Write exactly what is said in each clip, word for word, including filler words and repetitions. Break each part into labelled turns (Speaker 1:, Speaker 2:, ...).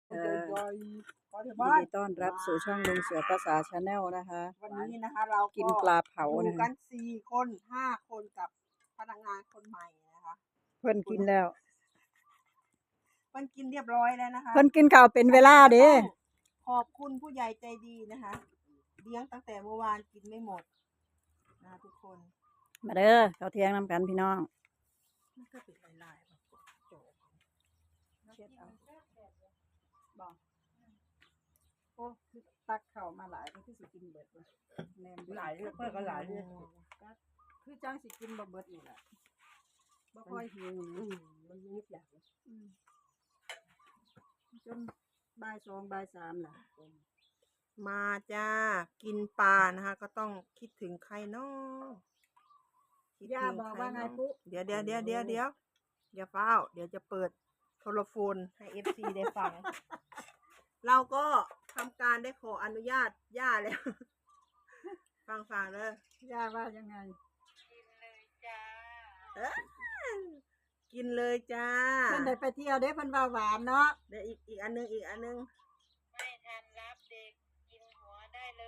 Speaker 1: เอ่อยินดีต้อนรับสู่ช่องลุงเสือภาษาชาแนลนะคะ
Speaker 2: วันนี้นะคะเรา
Speaker 1: กินปลาเผา
Speaker 2: อยู่
Speaker 1: นะ
Speaker 2: กั
Speaker 1: คะ
Speaker 2: นสี่คนห้าคนกับพนักงานคนใหม่นะคะ
Speaker 1: เพิ่นกินแล้ว
Speaker 2: เพิ่นกินเรียบร้อยแล้วนะคะ
Speaker 1: เพิ่นกินข้าวเป็นเวลาเด้
Speaker 2: ขอบคุณผู้ใหญ่ใจดีนะคะเลี้ยงตั้งแต่เมื่อวานกินไม่หมดนะทุกคน
Speaker 1: มาเด้อข้าวเที่ยงนำกันพี่น้อง
Speaker 2: มันก็เป็นลายๆแบบโจกเช็ดเอาบอก
Speaker 1: โอ้คือตักข้าวมาหลายก็คือสิกินเบิดเลยแนมหลายเรื่องเพิ่นก็หลายเรื่องคือจังสิกินบ่เบิดนี่แหละบ่ค่อยหิวอืมมันนิดอย่างอืมจนบ่ายสองบ่ายสามน่ะ
Speaker 2: มาจ้ากินปลานะคะก็ต้องคิดถึงใครเนาะ
Speaker 1: ย่าบอกว่าไงปุ๊
Speaker 2: เดี๋ยวเดี๋ยวเดี๋ยวเดี๋ยวเดี๋ยวอย่าเฝ้าเดี๋ยวจะเปิดโทรโฟนให้เอฟซีได้ฟัง เราก็ทำการได้ขออนุญาตย่าแล้ว ฟังฟังเลย
Speaker 1: ย่าว่ายังไง
Speaker 2: กินเลยจ้า
Speaker 1: เพิ่นได้ไปเที่ยวเด้เพิ่นว่าหวานเนาะ
Speaker 2: เดี๋ยวอีกอีกอันนึงอีกอันนึง
Speaker 3: ไม่ทันรับเด็กกินหัวได้เลย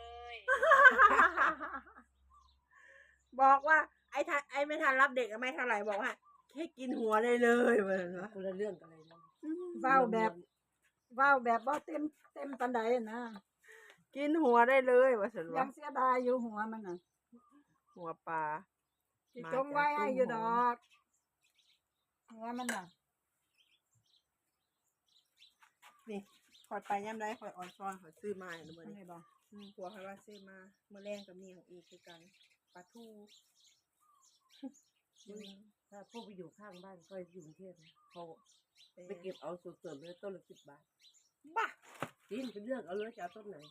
Speaker 2: บอกว่าไอ้ทันไอ้ไม่ทันรับเด็กไม่เท่าไหร่บอกว่าแค่กินหัวได้เลยเหมือนว่าคนละเรื่องกันเลยนะ
Speaker 1: เว้าแบบเว้าแบบบ่เต็มเต็มปานใดนะ
Speaker 2: กินหัวได้เลยว่าฉัน
Speaker 1: ยั
Speaker 2: ว่าง
Speaker 1: เสียดายอยู่หัวมันน่ะ
Speaker 2: หัวปลา
Speaker 1: สิจงไว้ให้อยู่ดอกหัวมันน่ะ
Speaker 2: นี่คอยไปย่ำได้คอยออนซอนคอยซื้อมาหนูบ่
Speaker 1: อัน
Speaker 2: นี่
Speaker 1: นี้บ่
Speaker 2: อืมผัวคอยว่าซื้อมาเมื่อแรงกับมีของอีกคือกันปลาทู
Speaker 4: ถ้าพวกไปอยู่ข้างบ้านก็อยู่กรุงเทพนะเขาไปเก็บเอาสดๆเลยต้นละสิบบาท
Speaker 2: บ้า
Speaker 4: จริงเป็นเรื่องเอาเลยจะเอาต้นไหน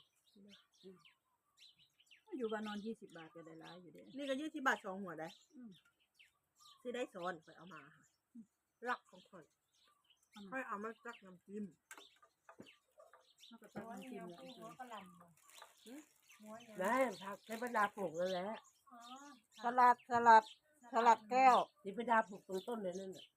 Speaker 1: อยู่บ้านนอนยี่สิบบาทก็ได้หลายอยู่เด้
Speaker 2: นี่ก็ยี่สิบบาทสองหัวได้
Speaker 1: อืม
Speaker 2: ซื้อได้ซ้อนคอยเอามาค่ะรักของคอยค่อยเอามาจักน้ำจิ้ม
Speaker 1: มันก็ต้องกินแล้ว
Speaker 3: หัวกระหล่ำบ่หัวเนี่ย
Speaker 4: ได้ผักใช้บรรดาปลูกแล้วแหละ
Speaker 3: อ๋อ
Speaker 1: สลัดสลัดสลัดแก้ว
Speaker 4: นี่บรรดาปลูกตรงต้นเลยนั่นน่ะ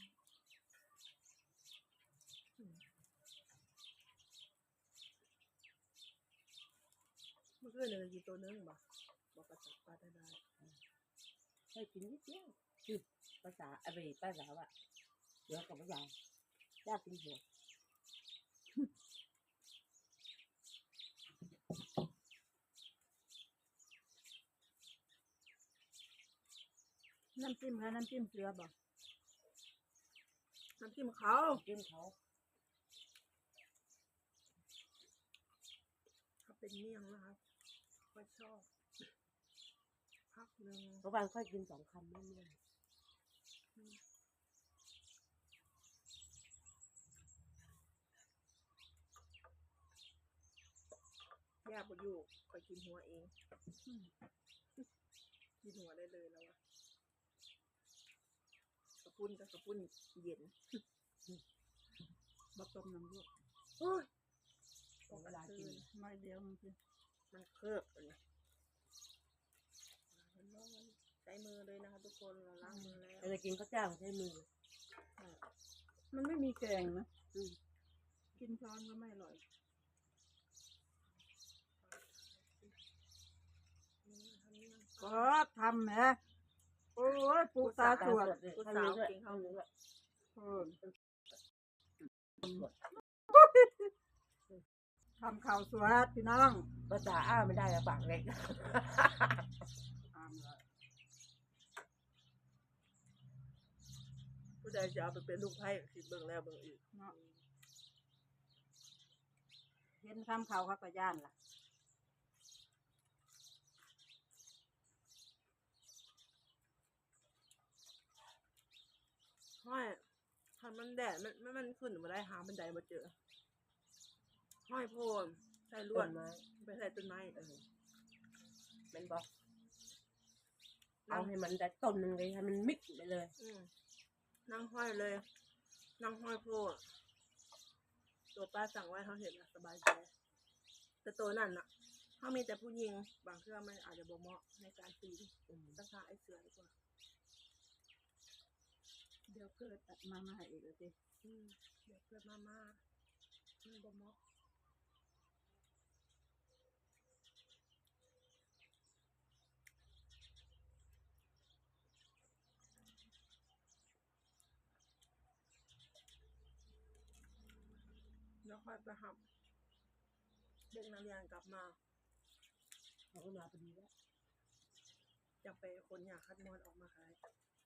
Speaker 2: เมื่อคืนเลยกินตัวนึงบ่บอกกระสับปลาได้ได้
Speaker 4: ให้กินนิดเดียวคือภาษาอะไรภาษาว่าเดี๋ยวกับภาษาญาติกินหัว
Speaker 1: น้ำจิ้มค่ะน้ำจิ้มเกลือบ่
Speaker 2: น้ำจิ้มเขา
Speaker 4: กินเขา
Speaker 2: เขาเป็นเมี่ยงนะครับค่อยชอบพักหนึ่ง
Speaker 4: เพราะบางค่อยกินสองคำไม่เลี่ยน
Speaker 2: ย่าบอยู่คอยกินหัวเองกินหัวได้เลยแล้วอะกระปุ้นกับกระปุ้นเย็น
Speaker 1: บ่ต้มน้ำลูก
Speaker 2: โอ้ย
Speaker 4: ของเวลากิน
Speaker 1: น้อยเดียวมันสิ
Speaker 2: มันเคิร์บเลยใช้มือเลยนะคะทุกคนเราล้างมือแล้ว
Speaker 4: เราจะกินข้าวเจ้าใช้มือ
Speaker 1: มันไม่มีแกงนะอืมกินช้อนก็ไม่อร่อยก็ทำแหมโอ้ยปูตาสวด
Speaker 2: ผู้สาวกินข้าวเนื้อ
Speaker 1: เออทำข่าวสวดพี่น้อง
Speaker 4: ภาษาอ้าไม่ได้อะปากเล็ก
Speaker 2: ผู้ใดจะเอาไปเป็นลูกไพ่คิดเบิ่งแล้วเบิ่งอีก
Speaker 1: เนาะเห็นทำข่าวเขาก็ย่านล่ะ
Speaker 2: ห้อยถ้ามันแดดมันมันมันขึ้นมาได้หาบันไดมาเจอห้อยโพนใส่ลวด
Speaker 4: ต้นไม้
Speaker 2: ไปใส่ต้นไม้เออ
Speaker 4: มันบอกเอาให้มันได้ต้นหนึ่งเลยให้มันมิกไปเลย
Speaker 2: อืมนั่งห้อยเลย นั่งห้อยโพดตัวป้าสั่งไว้เขาเห็นนะสบายใจแต่ตัวนั่นน่ะเขามีแต่ผู้หญิงบางเครื่องมันอาจจะบ่เหมาะในการปีนตั้งค่าไอ้เสือดีกว่า
Speaker 1: เดี๋ยวเกิดตัดมามาให้อีกแล้วสิ
Speaker 2: อืมเดี๋ยวเกิดมาม่ามันบ่เหมาะแล้วค่อยไปหับเด็กนักเรียนกลับมา
Speaker 4: เขาก็มาพอดีแล้ว
Speaker 2: จะไปคนอยากคัดมอนออกมาขาย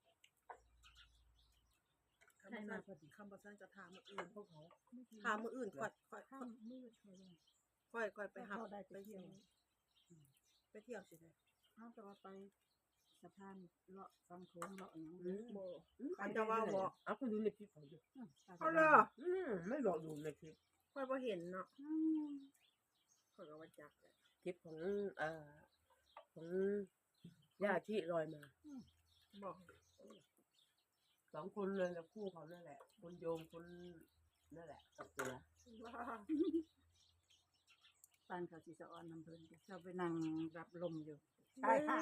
Speaker 4: ใครมาพอดี
Speaker 2: คำประสันจะถามมืออื่น
Speaker 4: พวกเขา
Speaker 2: ถามมืออื่นค่อยค่อย
Speaker 1: ข้ามมืดเขาเลย
Speaker 2: ค่อยค่อยไปหับ
Speaker 1: เขาได้
Speaker 2: ไป
Speaker 1: ไปเที่
Speaker 2: เที่
Speaker 1: ย
Speaker 2: ยว วไปเที่ยวสิเลย
Speaker 1: เขาจะว่าไปสะพานเลาะฟังโค้งเลาะอย่าง
Speaker 4: อื
Speaker 1: นี้
Speaker 4: ม
Speaker 2: โบ
Speaker 4: อืม
Speaker 2: เขาจะว่าบอก
Speaker 4: เอาคุณดูในคลิปเขาดู
Speaker 2: เอาเลย
Speaker 4: อืมไม่บอกดูในคลิป
Speaker 2: ค่อยพอเห็นเนาะ
Speaker 1: อืม
Speaker 2: ค่อยก็ว่าจักเลย
Speaker 4: คลิปของเอ่อของย่าที่ลอยมา
Speaker 2: บอก
Speaker 4: สองคนเลยกับคู่เขานั่นแหละ คนโยมคนนั่นแหละกับเสือ
Speaker 2: ว่า
Speaker 1: ปานเขาสิสะออนน้ำเพลินเขาไปนั่งรับลมอยู่
Speaker 2: ใช่ค่ะ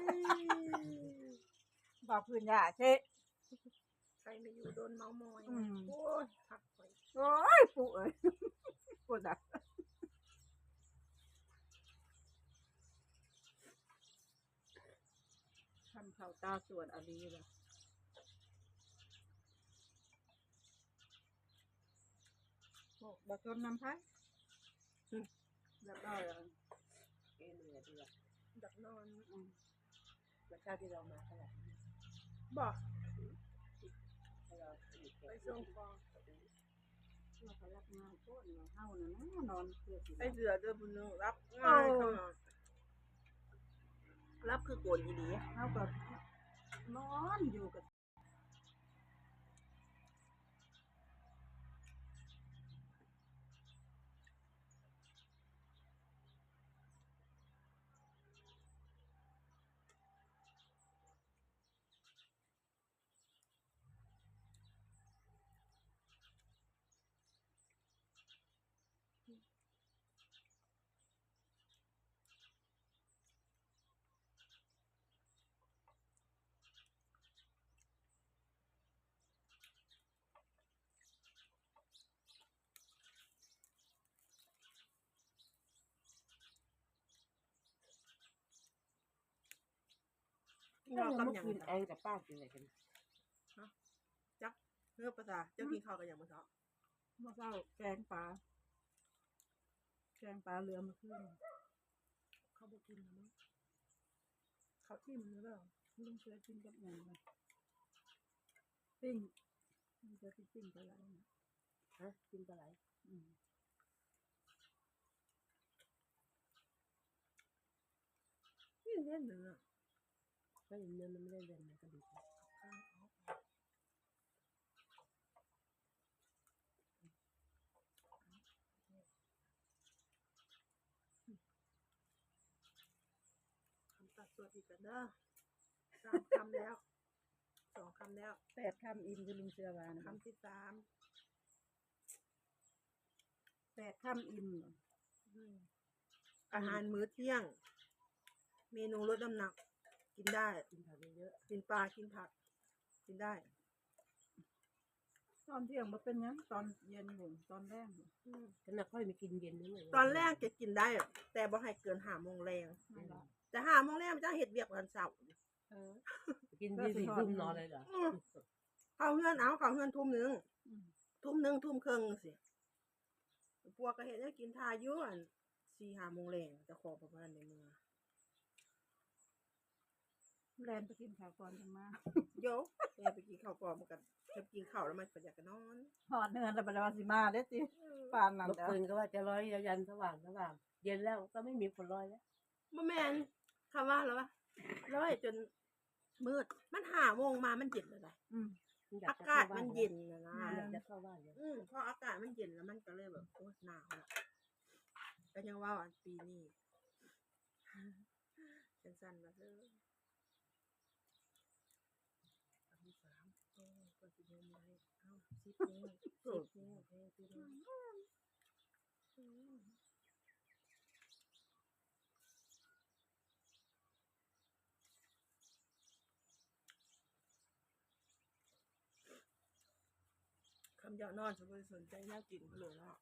Speaker 1: บอกพื้นยาเช่
Speaker 2: ใครไม่อยู่โดนเมามอย
Speaker 1: อืม
Speaker 2: โอ้ยพักไป
Speaker 1: โอ้ยปู่เอ้ย ปู่ดักทำเขาตาสวนอะไรล่ะโอ้บักจนน้ำพักเรียบร้อยแล้ว
Speaker 4: เอ็นเลยดีละ
Speaker 2: ดักนอน
Speaker 1: อืม
Speaker 4: แล้วชาติที่เรามาเท่าไหร่
Speaker 2: บอก
Speaker 4: ให้เราอีก
Speaker 2: ไปส่งฟอง
Speaker 1: เราก็รับงานโคตรเฮาน่ะนะนอนเพื่อสิ
Speaker 2: ไอเสือเดินบนนึงรับง่ายขนาดรับคือโกนอีดี
Speaker 1: เฮาก็นอนอยู่กับ
Speaker 2: เรา
Speaker 4: เรา
Speaker 2: กำ
Speaker 4: กำ
Speaker 2: ยั
Speaker 4: ยัง
Speaker 2: ง
Speaker 4: แอนกับป้ากินอะไรกัน
Speaker 2: จักเพื่อภาษาเจ้ากินข้าวกันอย่างเมื่อเช้า
Speaker 1: เมื่อเช้าแกงปลาแกงปลาเรือมาขึ้น
Speaker 2: เขาบอกกินนะมั้งเขาทิ่มหรือเปล่า
Speaker 1: ลุงเสือกินกับหยังไงปิ้งลุงเสือกินปิ้งปลาไหลนะ
Speaker 4: ฮะกินปลาไหล
Speaker 1: อืม
Speaker 2: นี่เล่นเนื้อ
Speaker 4: ก็ยังเนื้อมันไม่ได้เรียนมันก็ดี
Speaker 2: คำตัดตัวอีกกันเด้อสามคำแล้วสองคำแล้ว
Speaker 1: แปดคำอิ่มคือลุงเสือวานะ
Speaker 2: คำที่สาม
Speaker 1: แปดคำอิ่มเหรอ
Speaker 2: อืมอาหารมื้อเที่ยง เมนูลดน้ำหนัก กินได้
Speaker 4: กินผักเยอะ
Speaker 2: กินปลากินผัก กินได้
Speaker 1: ตอนเที่ยงมาเป็นหยังตอนเย็นหนึ่งตอนแรกหนึ่ง
Speaker 2: อืม
Speaker 4: ๆฉันน่ะค่อยมีกินเย็นนิดหน่อย
Speaker 2: ตอนแรกจะกินได้อะแต่บ่ให้เกินห้าโมงแรง
Speaker 1: นั่นแหละ
Speaker 2: แต่ห้าโมงแรงมันจะเห็ดเวียกวันเสาร์
Speaker 1: เออ
Speaker 4: กินที่สี่ทุ่มนอนเลยเหรอ
Speaker 2: อืมเข้าเฮือนเอาเข้าเฮือนทุ่มหนึ่ง
Speaker 1: อืม
Speaker 2: ทุ่มหนึ่งทุ่มครึ่งสิพวกก็เห็นได้กินทาอยุ่อันสี่ห้าโมงแรงจะขอประมาณในเมือง
Speaker 1: แลนไปกินข้าวก่อนจังมา
Speaker 2: โยแกไปกินข้าวก่อนมันกันจะกินข้าวแล้วมันก็อยากจะนอน
Speaker 1: หอดเนื้อแล้วบัดนี้ว่าสิมาเด้อจิปานนั่น
Speaker 4: เมื่อ
Speaker 1: เด้อ
Speaker 4: คืนก็ว่าจะร้อยยันสว่างสว่างเย็นแล้วก็ไม่มีคนร้อยแล้ว
Speaker 2: บ่แม่นคำว่าแล้ววะร้อยจนมืดมันห้าโมงมามันเย็นเลยนะ
Speaker 1: อืม
Speaker 4: อย
Speaker 2: อากาศมันเย็นนะนะ
Speaker 4: อยากจะเข้าบ้านเลย
Speaker 2: อืมพออากาศมันเย็นแล้วมันก็เลยแบบโอ้หนาวละก็ยังว่าอันปีนี้สั้นๆมาเถอะอันที่สามโอ้ก็สิเงินไรเอ้าสิบโมงสิบโมงแพ้ไปเลยอืมคำเจ้านอนฉันบ่ได้สนใจแนวกินเขาเลยเนาะ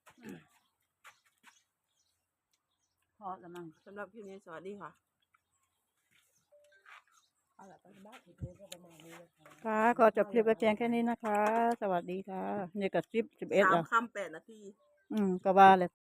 Speaker 1: พอแล้วมั้ง
Speaker 2: สำหรับคลิปนี้สวัสดีค่ะ
Speaker 4: เอาละไปบ้านอีกทีก็ประมาณนี้นะคะ
Speaker 1: ค่ะขอจบคลิปไว้เพียงแค่นี้นะคะ สวัสดีค่ะนี่ก็สิบสิบเอ็ด
Speaker 2: สา
Speaker 1: แล้
Speaker 2: ม
Speaker 1: ว
Speaker 2: คำแปดนาที
Speaker 1: อืมก็ว่าเลย